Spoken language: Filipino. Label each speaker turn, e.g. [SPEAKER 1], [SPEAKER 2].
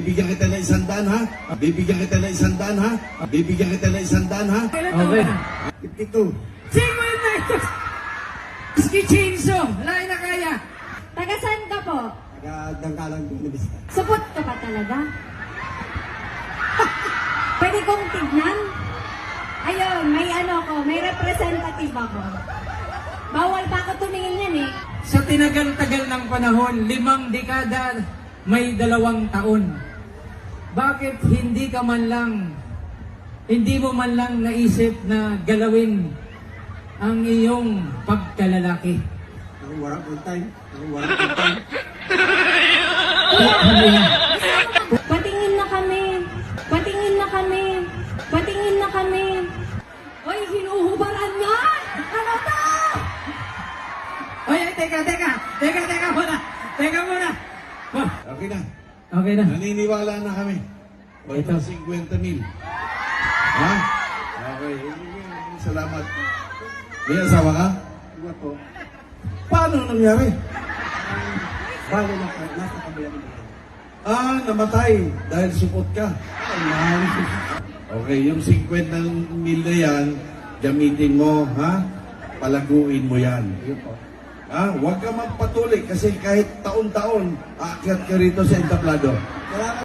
[SPEAKER 1] bibigyan kita ng 100, ha? Bibigyan kita ng 100, ha? Bibigyan kita ng 100, ha?
[SPEAKER 2] Okay.
[SPEAKER 1] 52.
[SPEAKER 2] Sino yun na ito? Ski chainsaw. Wala na kaya.
[SPEAKER 3] Taga saan ka po?
[SPEAKER 1] Dangkalang Binibista.
[SPEAKER 3] Supot ka pa talaga? Pwede kong tignan? Ayun, may representative ako. Bawal pa ako tumingin yan eh.
[SPEAKER 2] Sa tinagal-tagal ng panahon, 5 dekada, may 2 taon. Bakit hindi mo man lang naisip na galawin ang iyong pagkalalaki?
[SPEAKER 1] Warang on time.
[SPEAKER 3] Patingin na kami. Patingin na kami. Patingin na kami. Hoy, hinuhubaran yan! Ano to?
[SPEAKER 2] Oy, teka muna. Teka muna. Oh,
[SPEAKER 1] Okay na.
[SPEAKER 2] okay na.
[SPEAKER 1] Naniniwala na kami.
[SPEAKER 2] Ito.
[SPEAKER 1] 50,000. Ha? Okay. Salamat. May asawa ka?
[SPEAKER 4] Iba po.
[SPEAKER 1] Paano nangyari?
[SPEAKER 4] Balo na po. Nasa kabilang bahay.
[SPEAKER 1] Namatay dahil supot ka. Okay, yung 50,000 na yan, gamitin mo, ha? Palaguin mo yan.
[SPEAKER 4] Yun po.
[SPEAKER 1] Huwag ka magpatuloy kasi kahit taon-taon, aakyat ka rito sa entablado.
[SPEAKER 4] Salamat.